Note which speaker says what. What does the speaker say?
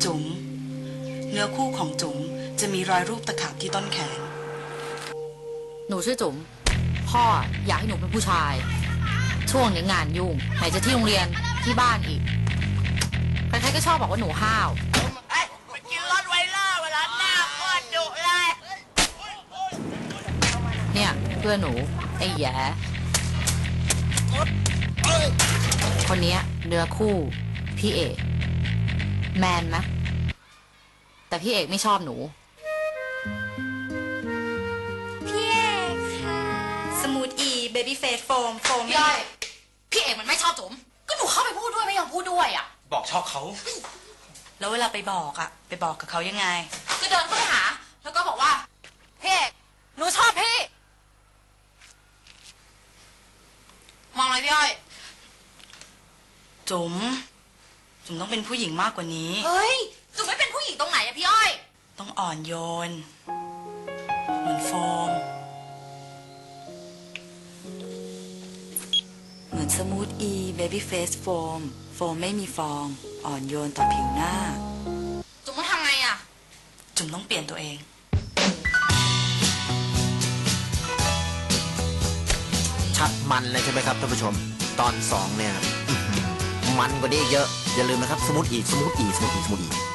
Speaker 1: จุ๋มเนื้อคู่ของจุ๋มจะมีรอยรูปตะขาบที่ต้นแขน
Speaker 2: หนูชื่อจุ๋มพ่ออยากให้หนูเป็นผู้ชายช่วงนี้งานยุ่งไหนจะที่โรงเรียนที่บ้านอีกใครๆก็ชอบบอกว่าหนูห้าว
Speaker 3: ไปกินรถไวเลอร์เวลาหน้าโคตรดุเลย
Speaker 2: เนี่ยเพื่อนหนูไอ้แย่คนนี้เนื้อคู่พี่เอกแมนไหมแต่พี่เอกไม่ชอบหนู
Speaker 4: พี่เอกค่ะ
Speaker 1: สมูทอีเบบี้เฟสโฟม
Speaker 2: พี่อ้อยพี่เอกมันไม่ชอบจุ๋มก็หนูเข้าไปพูดด้วยไม่ยอมพูดด้วยอ่ะ
Speaker 5: บอกชอบเขา
Speaker 1: แล้วเวลาไปบอกไปบอกกับเขายังไง
Speaker 2: ก็เดินเข้าไปหาแล้วก็บอกว่าพี่เอกหนูชอบพี่มองอะไรพี่อ้อย
Speaker 1: จุ๋มต้องเป็นผู้หญิงมากกว่านี้
Speaker 2: เฮ้ยจุ๋มไม่เป็นผู้หญิงตรงไหนอะพี่อ้อย
Speaker 1: ต้องอ่อนโยนเหมือนโฟมเหมือนสมูทอีเบบี้เฟสโฟมไม่มีฟองอ่อนโยนต่อผิวหน้า
Speaker 2: จุ๋มต้องทำไงอะ
Speaker 1: จุ๋มต้องเปลี่ยนตัวเอง
Speaker 5: ชัดมันเลยใช่ไหมครับท่านผู้ชมตอน2เนี่ยมันกว่านี้เยอะอย่าลืมนะครับสมูทอี